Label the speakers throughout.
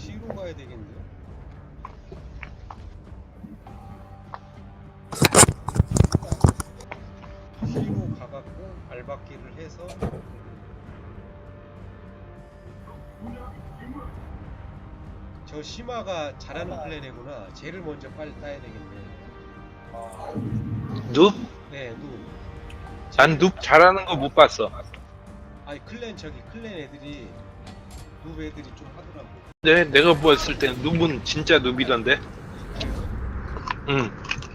Speaker 1: C로 가야 되겠는데요? C로 가갖고 알박기를 해서 저 시마가 잘하는 플랜이구나. 쟤를 먼저 빨리 따야 되겠네.
Speaker 2: 눕?
Speaker 1: 네,
Speaker 2: 난 눕 잘하는 거 못 봤어.
Speaker 1: 아니 클랜 애들이 누 애들이 좀 하더라고.
Speaker 2: 근데 내가 보았을 때 눕은 진짜 눕이던데. 응.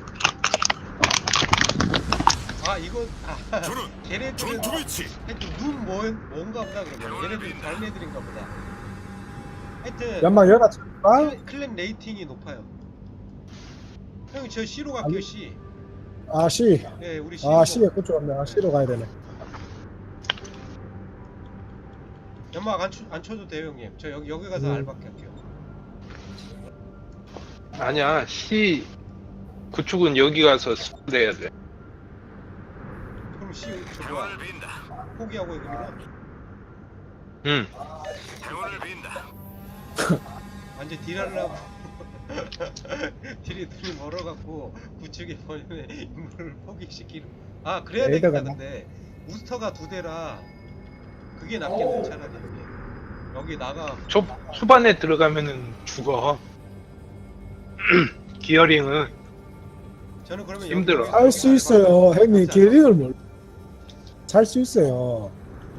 Speaker 1: 아 이거
Speaker 3: 저는
Speaker 1: 걔네들은
Speaker 3: 전투 배치.
Speaker 1: 하여튼 눈 뭔가 보다 그러면 얘네들이 다른 애들인가 보다. 하여튼
Speaker 4: 연막 열어줄까?
Speaker 1: 클랜 레이팅이 높아요. 형 저 C로 갈게요. C.
Speaker 4: 아 C.
Speaker 1: 네 우리 C.
Speaker 4: 아 C에 그쪽 없네. 아 C로 가야 되네.
Speaker 1: 연막 안 쳐도 돼요 형님. 저 여기 가서 알박기 할게요.
Speaker 2: 아니야. C 구축은 여기 가서 내야 돼.
Speaker 1: 그럼 C 저
Speaker 3: 행운을
Speaker 1: 뭐야
Speaker 3: 빈다.
Speaker 1: 포기하고 이거구나.
Speaker 2: 응.
Speaker 3: 행운을 빈다.
Speaker 1: 완전 딜하려고 딜이 눈이 멀어갖고 구축에 버리는 인물을 포기시키는. 아 그래야 되겠다.
Speaker 4: 레이더가
Speaker 1: 근데 우스터가 2대라 그게 낫겠네 차라리. 여기 나가.
Speaker 2: 초반에 들어가면은 죽어. 기어링은
Speaker 1: 저는 그러면
Speaker 2: 힘들어.
Speaker 1: 여기
Speaker 4: 살 수 있어요. 형님 기린을 몰. 살수 있어요.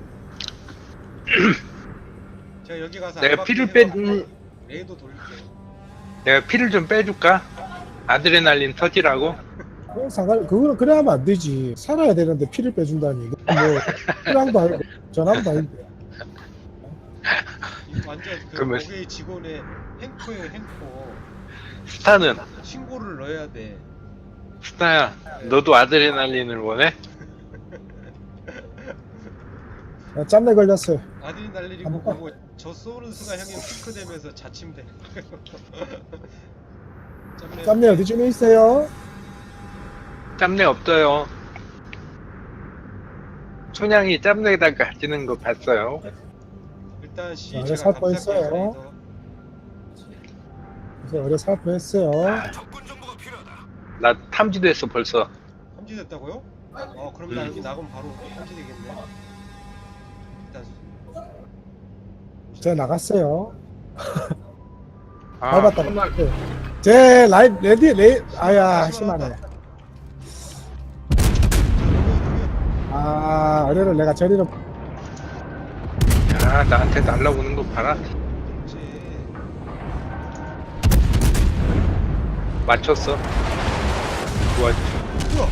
Speaker 1: 제가 여기 가서
Speaker 2: 내가
Speaker 1: 알박기
Speaker 2: 피를
Speaker 1: 해갖고 레이더 돌릴게요.
Speaker 2: 내가 피를 좀 빼줄까? 아드레날린 터지라고?
Speaker 4: 그거는 그래 하면 안 되지. 살아야 되는데 피를 빼준다니. 이거 뭐 피랑도 아니고 전함도 아닌데.
Speaker 1: 완전 그
Speaker 2: 그러면-
Speaker 1: 고객 직원의 행포예요 행포.
Speaker 2: 스타는
Speaker 1: 신고를 넣어야 돼.
Speaker 2: 스타야. 너도 아드레날린을 원해?
Speaker 4: 야, 짬내 걸렸어요.
Speaker 1: 아드레날린이고
Speaker 4: 한번
Speaker 1: 그거 저 쏘는 순간 형님 피크 되면서 자침돼.
Speaker 4: 짬내 어디쯤에 있어요?
Speaker 2: 짬내 없어요. 소냥이 짬내에다 가지는 거 봤어요.
Speaker 1: 일단 C
Speaker 4: 자,
Speaker 1: 제가
Speaker 4: 살
Speaker 1: 감쌀게요,
Speaker 4: 뻔했어요.
Speaker 1: 레이더.
Speaker 4: 그래서 어제 살포했어요.
Speaker 3: 적군 정보가 필요하다.
Speaker 2: 나 탐지됐어 벌써.
Speaker 1: 탐지됐다고요? 그럼 나 여기 나가면 바로 탐지되겠네. 일단
Speaker 4: 제가 나갔어요.
Speaker 2: 아,
Speaker 4: 밟았다.
Speaker 2: 정말
Speaker 4: 제 레디 아야 심하네. 아 어뢰를 내가 저리로
Speaker 2: 야, 나한테 날라오는 거 봐라.
Speaker 1: 그렇지.
Speaker 2: 맞췄어. 좋아.
Speaker 1: 뭐야?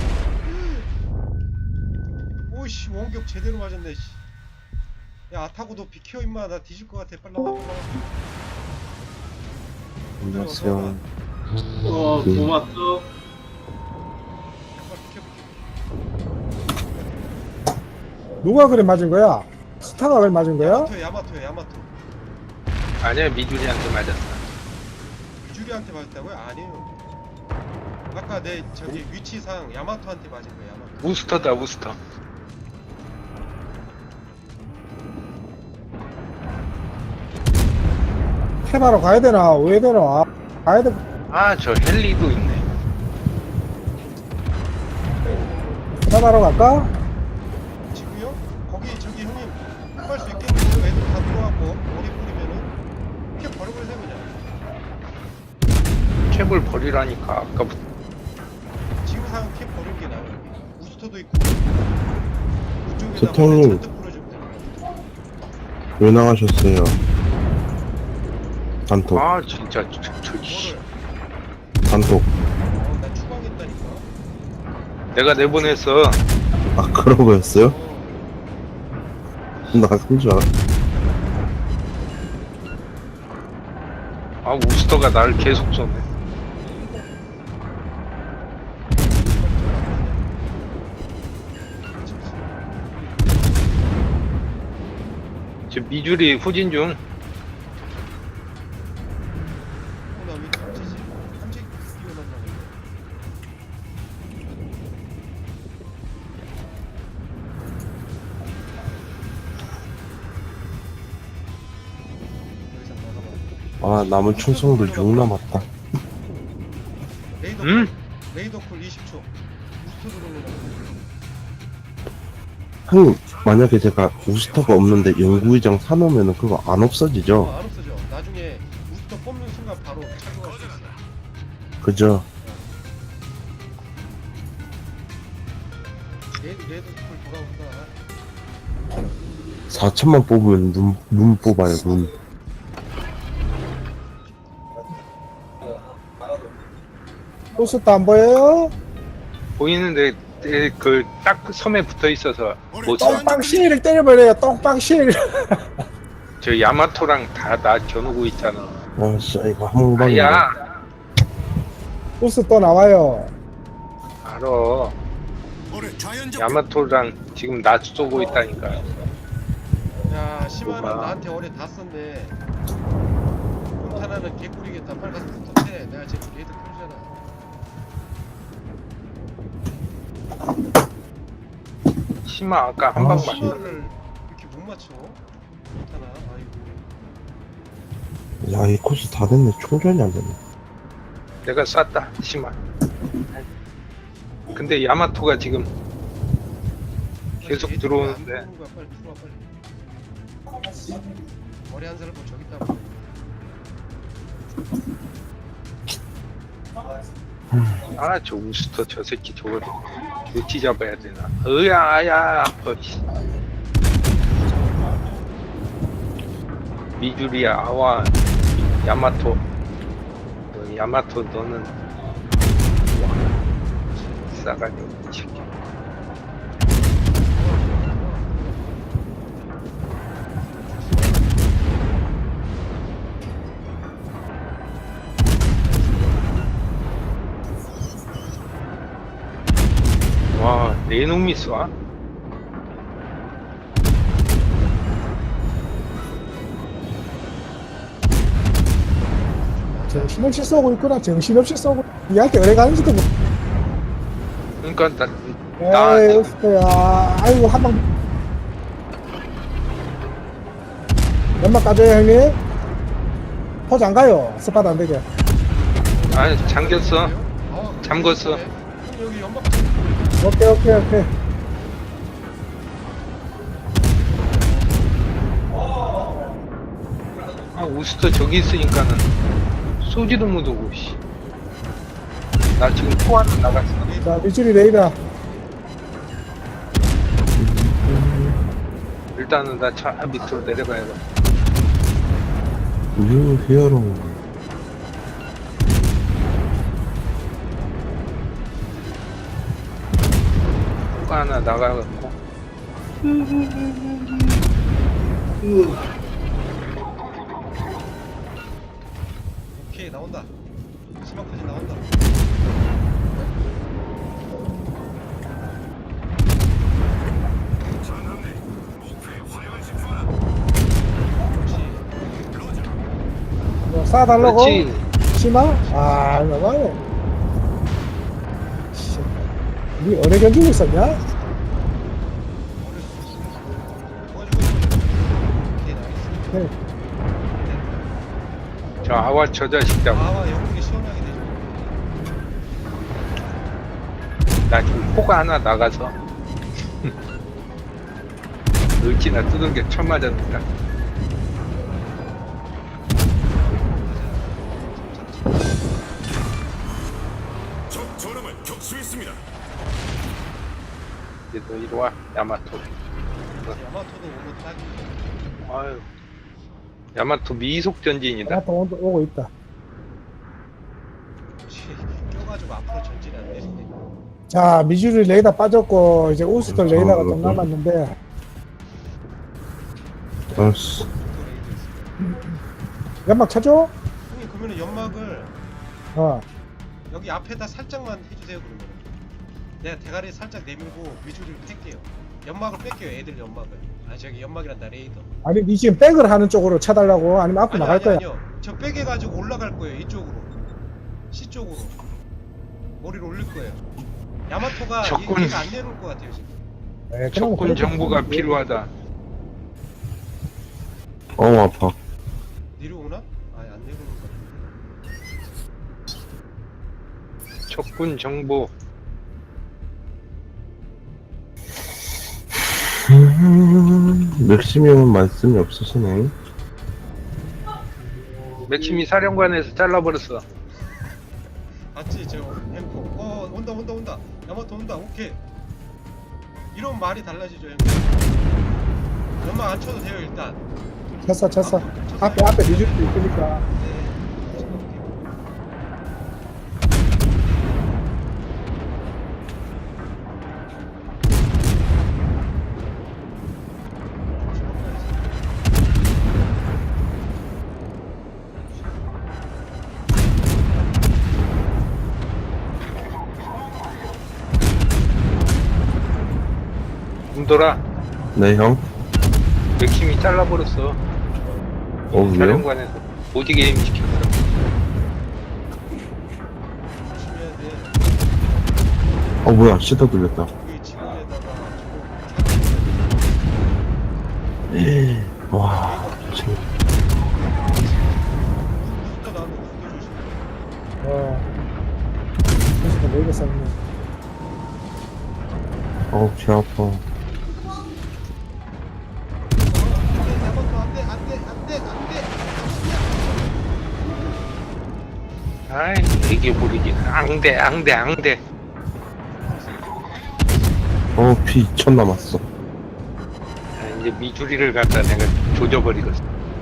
Speaker 1: 오이씨 원격 제대로 맞았네. 씨. 야 아타고 너 비켜 임마. 나 뒤질 것 같아. 빨리 나와.
Speaker 5: 안녕하세요.
Speaker 2: 고맙어.
Speaker 1: 빨리 비켜.
Speaker 4: 누가 그래 맞은 거야? 스타가 그래 맞은 거야?
Speaker 1: 야마토.
Speaker 2: 아니야, 미주리한테 맞았어.
Speaker 1: 유주리한테 맞았다고요? 아니에요. 아까 내 저기 위치상 야마토한테 맞은 거야. 야마토.
Speaker 2: 우스터다, 우스터.
Speaker 4: 테마로 가야 되나? 왜 되나? 가야 돼.
Speaker 2: 아, 저 헬리도 있네.
Speaker 4: 테마로 갈까?
Speaker 1: 지금요? 거기 저기 형님 할 수 있겠는데요? 애들 다 들어왔고 머리 뿌리면은 이렇게 버려버리세요 그냥.
Speaker 2: 캡을 버리라니까, 아까부터.
Speaker 1: 지금 상황 캡 버리는 게 나아요. 여기 우스터도 있고 그쪽에다
Speaker 5: 소통님.
Speaker 1: 머리 잔뜩 뿌려주면 돼요.
Speaker 5: 왜 나가셨어요? 단톡,
Speaker 2: 아, 진짜,
Speaker 1: 뭐를?
Speaker 5: 단톡.
Speaker 1: 나 추방했다니까.
Speaker 2: 내가 내보냈어.
Speaker 5: 아, 그런 거였어요?
Speaker 1: 어,
Speaker 5: 나간 줄 알아.
Speaker 2: 아, 우스터가 나를 계속 쏘네. 지금 미주리 후진 중.
Speaker 1: 나왜 탐지지? 탐지 뛰어난다고. 여기서 나가봐.
Speaker 5: 아, 남은 충성도 6 남았다.
Speaker 1: 레이더
Speaker 2: 응?
Speaker 1: 레이더 쿨 20초. 부스터 들어오는 거.
Speaker 5: 형님, 만약에 제가 우스터가 없는데 연구의장 사놓으면 그거 안 없어지죠?
Speaker 1: 안 없어져. 나중에 부스터 뽑는 순간 바로 착용할 수 있어.
Speaker 5: 그죠?
Speaker 1: 레이더 쿨 돌아온다.
Speaker 5: 4천만 뽑으면 눈 뽑아요, 눈.
Speaker 4: 보스도 안 보여요?
Speaker 2: 보이는데 그 딱 섬에 붙어 있어서 못 써.
Speaker 4: 똥빵 시를 때려버려요. 똥빵 실.
Speaker 2: 저 야마토랑 다 나 겨누고 있잖아.
Speaker 5: 아, 진짜 이거 한 방에.
Speaker 2: 아야,
Speaker 4: 보스 또 나와요.
Speaker 2: 알아.
Speaker 3: 올해 자연적
Speaker 2: 야마토랑 지금 나 쏘고 있다니까.
Speaker 1: 야, 시마는
Speaker 2: 뭐가?
Speaker 1: 나한테 어뢰 다 썼네. 폰타나는 개꿀이겠다. 빨리 가서 붙어채. 내가 지금 레이더 켜주잖아.
Speaker 2: 심아 아까 한
Speaker 5: 아,
Speaker 2: 방
Speaker 5: 씨.
Speaker 2: 맞.
Speaker 1: 시마를 이렇게 못 맞춰? 폰타나, 아이고.
Speaker 5: 야, 이 코스 다 됐네. 충전이 안 되네.
Speaker 2: 내가 쐈다 심아. 근데 야마토가 지금 계속
Speaker 1: 레이더
Speaker 2: 들어오는데.
Speaker 1: 안 들어오는 거야. 빨리 들어와, 빨리. 머리 한 사람 뭐 저기 있다고.
Speaker 2: 아 저 우스터 저 새끼 저거 어찌 잡아야 되나. 으야 아파. 씨. 미주리야 아와 야마토. 야마토 너는 싸가지고 이 새끼. 와, 내 놈이 쏴?
Speaker 4: 정신없이 쏘고 있구나. 정신없이 쏘고. 니한테 어뢰 가는지도 못.
Speaker 2: 그러니까 나
Speaker 4: 에이, 보스야. 아이고, 한 방. 연막 까줘요, 형님. 포즈 안 가요. 스팟 안 되게.
Speaker 2: 아, 잠겼어.
Speaker 1: 아,
Speaker 2: 잠궜어.
Speaker 1: 그래? 그럼 여기 연막
Speaker 4: 오케이, 오케이, 오케이.
Speaker 2: 아, 우스터 저기 있으니까는 쏘지도 못하고, 씨. 나 지금 포 하나 나갔어.
Speaker 4: 자, 미주리 레이더.
Speaker 2: 일단은 나 차 밑으로 내려가야겠다.
Speaker 5: 뉴 히어로.
Speaker 2: 포가 하나 나가갖고.
Speaker 1: 오케이 나온다. 시마까지 나온다.
Speaker 3: 전함대 목표에 화력을 집중하라.
Speaker 1: 그렇지.
Speaker 4: 뭐 쏴달라고?
Speaker 2: 그렇지.
Speaker 4: 심하? 아, 이거 봐요. 씨. 니 어뢰 견디고 있었냐?
Speaker 1: 도와주고 있어. 오케이 나이스.
Speaker 4: 네.
Speaker 2: 저 아와 저 자식 잡아.
Speaker 1: 아와 영국이 시원하게 되죠.
Speaker 2: 나 지금 포가 하나 나가서. 을지나 뜯은 게 처음 맞았니까.
Speaker 3: 적 전함을 격수했습니다.
Speaker 2: 이제 너 이리 와, 야마토.
Speaker 1: 야마토도 오고 딱이네.
Speaker 2: 아유. 야마토 미속 전진이다.
Speaker 4: 나또 오고 있다.
Speaker 1: 그렇지. 껴가지고 앞으로 전진이 안 되네.
Speaker 4: 자, 미주리 레이더 빠졌고, 이제 우스터 레이더가 좀
Speaker 5: 그렇죠.
Speaker 4: 남았는데,
Speaker 5: 알았어.
Speaker 4: 연막 쳐줘?
Speaker 1: 형님 그러면 연막을
Speaker 4: 어.
Speaker 1: 여기 앞에다 살짝만 해주세요 그러면. 내가 대가리 살짝 내밀고 위주를 뺄게요. 연막을 뺄게요. 애들 연막을. 아 저기 연막이란다 레이더.
Speaker 4: 아니, 니 지금 백을 하는 쪽으로 쳐달라고? 아니면 앞으로 나갈 거야?
Speaker 1: 아니요. 저 빼게 가지고 올라갈 거예요. 이쪽으로. C 쪽으로. 머리를 올릴 거예요. 야마토가
Speaker 2: 적군.
Speaker 1: 얘가 안 내려올 것 같아요 지금.
Speaker 4: 네, 그럼
Speaker 2: 적군
Speaker 4: 그렇게
Speaker 2: 정보가
Speaker 4: 하면 돼요.
Speaker 2: 필요하다.
Speaker 5: 아파.
Speaker 1: 내려오나? 아니 안 내려오는 것 같은데.
Speaker 2: 적군 정보.
Speaker 5: 맥시멈은 말씀이 없으시네.
Speaker 2: 맥심이 사령관에서 잘라버렸어.
Speaker 1: 봤지 저 햄코. 온다. 야마토 온다. 오케이. 이런 말이 달라지죠 형. 연막 안 쳐도 돼요 일단.
Speaker 4: 쳤어. 앞에 미주리도 있으니까.
Speaker 1: 네.
Speaker 2: 웅돌아,
Speaker 5: 네, 형.
Speaker 2: 맥심이 잘라버렸어.
Speaker 5: 왜요?
Speaker 2: 사령관에서 오지 게임 시켰어.
Speaker 1: 조심해야 돼.
Speaker 5: 뭐야, 시도 들렸다.
Speaker 1: 그게 지구에다가
Speaker 5: 와, 지금.
Speaker 1: 누가 나오는 거 조심.
Speaker 4: 그래서 레이더 쐈네.
Speaker 5: 배 아파.
Speaker 2: 아이, 이게 모르긴. 앙대.
Speaker 5: 피 2천 남았어.
Speaker 2: 이제 미주리를 갖다 내가 조져버리겠어.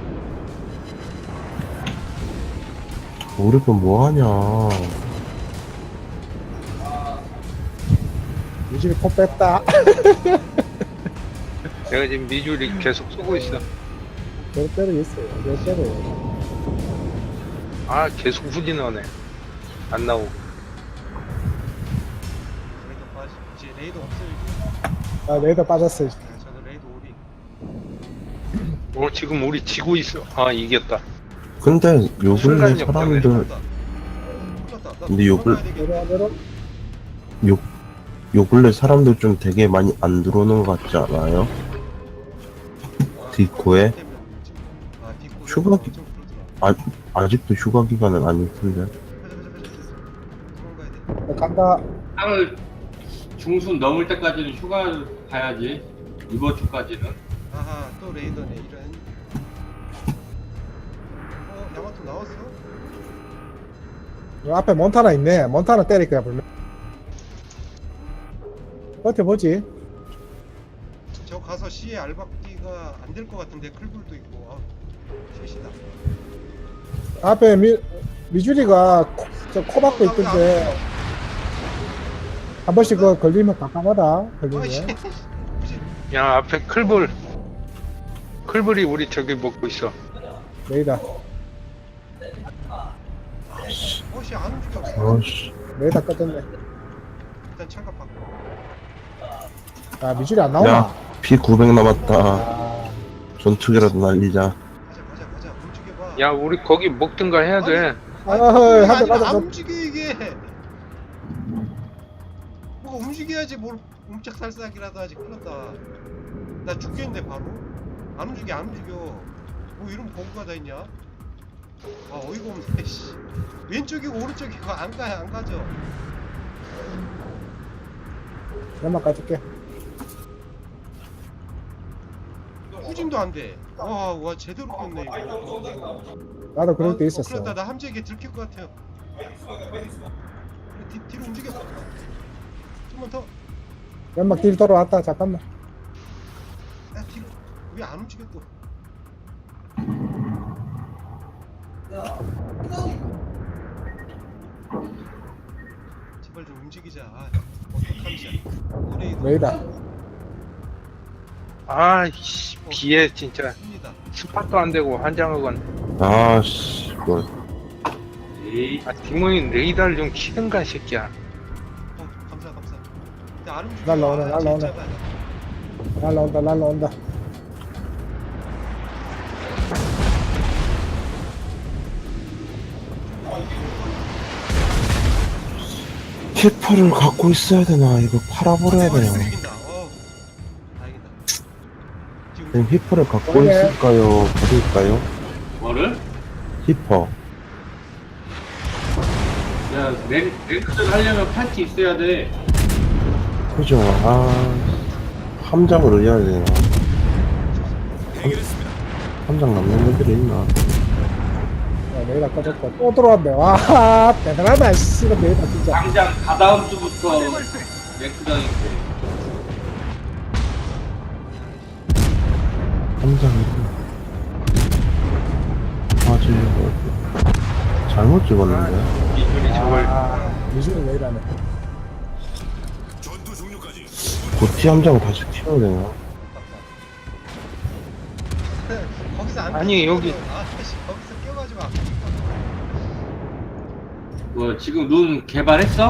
Speaker 5: 우리 건 뭐하냐.
Speaker 4: 미주리 코 뺐다.
Speaker 2: 내가 지금 미주리 계속 쏘고 있어.
Speaker 4: 때려 있어요. 때려.
Speaker 2: 아, 계속 후진하네. 안 나오고.
Speaker 1: 레이더 빠지. 이제 레이더 없어요 이제.
Speaker 4: 레이더 빠졌어.
Speaker 1: 저도 레이더 오리.
Speaker 2: 지금 우리 지고 있어. 아, 이겼다.
Speaker 5: 근데 요 근래
Speaker 2: 순간이
Speaker 5: 사람들,
Speaker 1: 큰일났다.
Speaker 5: 근데 요 글-
Speaker 4: 내려.
Speaker 5: 요 근래 사람들 좀 되게 많이 안 들어오는 것 같지 않아요? 디코에? 휴가기- 아직도 휴가 기간은 아닐 텐데.
Speaker 4: 간다.
Speaker 6: 3월 중순 넘을 때까지는 휴가를 가야지. 이번 주까지는.
Speaker 1: 아하 또 레이더네 이런. 야마토 나왔어?
Speaker 4: 요 앞에 몬타나 있네. 몬타나 때릴 거야 분명. 버텨보지.
Speaker 1: 저 가서 C에 알박기가 안 될 것 같은데 클불도 있고. 셋이다.
Speaker 4: 앞에 미주리가 코 박고 있던데 한 번씩 그거 걸리면 깜깜하다.
Speaker 1: 아이씨.
Speaker 4: 걸리면.
Speaker 2: 야, 앞에 클불이 우리 저기 먹고 있어.
Speaker 4: 레이더.
Speaker 1: 어씨 안 움직여.
Speaker 5: 아씨.
Speaker 4: 레이더 꺼졌네.
Speaker 1: 일단 창갑 받고.
Speaker 4: 미주리 안 나오나?
Speaker 5: 야, 피 900 남았다.
Speaker 4: 아,
Speaker 5: 전투기라도 날리자.
Speaker 1: 가자 움직여봐.
Speaker 2: 야, 우리 거기 먹든가 해야 돼.
Speaker 4: 한 대
Speaker 1: 안
Speaker 4: 맞았어.
Speaker 1: 움직여 이게. 뭐가 움직여야지 뭘 움짝살싹이라도 하지. 큰일났다. 나 죽겠는데 바로. 안 움직여. 뭐 이런 버그가 다 있냐? 어이가 없네. 씨. 왼쪽이고 오른쪽이고 안 가죠.
Speaker 4: 연막 가줄게.
Speaker 1: 후진도 안 돼. 와 제대로 꼈네 이거.
Speaker 4: 나도 그럴 때 있었어.
Speaker 1: 큰일났다. 나 함재기에 들킬 것 같아요. 뒤로 움직여. 좀만 더.
Speaker 4: 연막 딜 돌아왔다. 잠깐만.
Speaker 1: 야 뒤로. 왜 안 움직여 또? 제발 좀 움직이자. 어떡함이야.
Speaker 4: 레이더.
Speaker 2: 아이씨, 비에 진짜
Speaker 1: 습니다.
Speaker 2: 스팟도 안 되고 환장하건.
Speaker 5: 아씨,
Speaker 6: 에이,
Speaker 2: 디모인 레이더를 좀 키든가, 새끼야.
Speaker 1: 감사. 근데 안 움직여.
Speaker 4: 날라오네. 날라온다.
Speaker 5: 히퍼를 갖고 있어야 되나? 이거 팔아버려야 되나?
Speaker 1: 움직인다. 다행이다. 지금
Speaker 5: 그냥 히퍼를 갖고
Speaker 4: 그래.
Speaker 5: 있을까요? 버릴까요?
Speaker 6: 뭐를?
Speaker 5: 히퍼.
Speaker 6: 야, 랭크전 하려면 파티 있어야 돼.
Speaker 5: 그죠. 함장을 해야 되나.
Speaker 3: 해결했습니다.
Speaker 5: 함장 남는 애들이 있나.
Speaker 4: 야, 내일 아까 졌다. 또 들어왔네. 와, 대단하다. 씨, 이거 내일 진짜.
Speaker 6: 당장 다다음 주부터 랭크전 있고.
Speaker 5: 함장이. 잘못 찍었는데.
Speaker 2: 이분이 저걸
Speaker 4: 미신은 왜 이러네.
Speaker 3: 전투 종료까지
Speaker 5: 고티 함장 다시 키워야 되나?
Speaker 1: 거기서 안
Speaker 2: 아니,
Speaker 1: 껴가지고,
Speaker 2: 여기-
Speaker 1: 씨, 거기서 껴가지고 아프니까.
Speaker 6: 뭐 지금 룬 개발했어?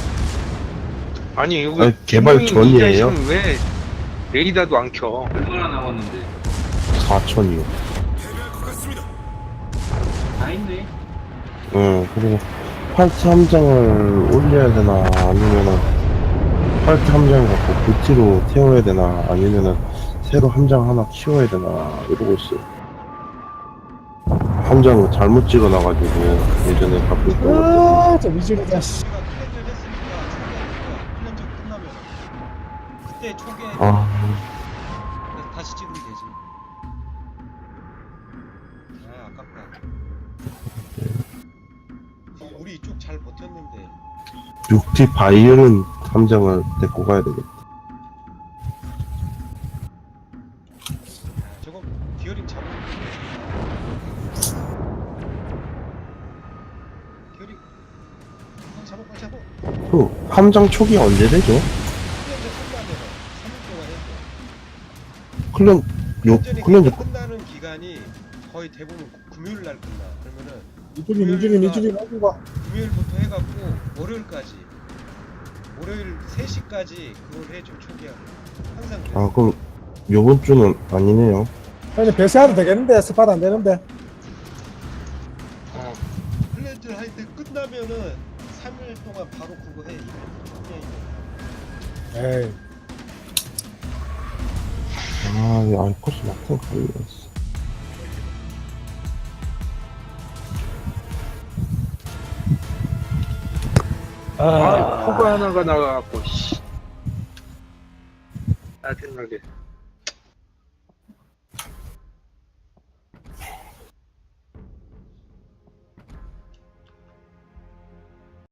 Speaker 2: 아니 여기
Speaker 5: 아니, 개발
Speaker 2: 분명히 이
Speaker 5: 전이에요.
Speaker 2: 자식은 왜 레이더도 안 켜?
Speaker 6: 얼마나 남았는데?
Speaker 5: 4천이요.
Speaker 3: 패배할 것 같습니다.
Speaker 6: 다 있네.
Speaker 5: 그리고 팔트 함장을 올려야 되나 아니면은 팔트 함장 갖고 고티로 태워야 되나 아니면은 새로 함장 하나 키워야 되나 이러고 있어요. 함장을 잘못 찍어놔가지고 예전에 갖고 있던 것도
Speaker 4: 아, 저 미신이다. 씨.
Speaker 1: 제가 클렌저를 했으니까 클렌저 끝나면 그때 초기에 다시 찍으면 되지. 아, 아깝다. 우리 이쪽 잘 버텼는데.
Speaker 5: 6T 바이오는 함장을 데리고 가야 되겠다.
Speaker 1: 저거 기어링 잡으면 기어링 잡아 빨리 잡아.
Speaker 5: 그 함장 초기 언제 되죠?
Speaker 1: 클렌저 끝나면 3일 동안 해줘.
Speaker 5: 클렌저
Speaker 1: 끝나는 기간이 거의 대부분 금요일 날 끝나. 그러면은
Speaker 4: 이준이 하고 가.
Speaker 1: 금요일부터 해갖고 월요일까지 월요일 3시까지 그걸 해줘 초기화. 항상 그래.
Speaker 5: 그럼 요번 주는 아니네요.
Speaker 4: 아니, 배세하도 되겠는데, 스팟 안 되는데.
Speaker 1: 클렌저 할 때 끝나면은 3일 동안 바로 그거 해.
Speaker 4: 에이.
Speaker 5: 이 알코스 막상 걸렸어.
Speaker 2: 포가 하나가 나가갖고 씨 짜증나게.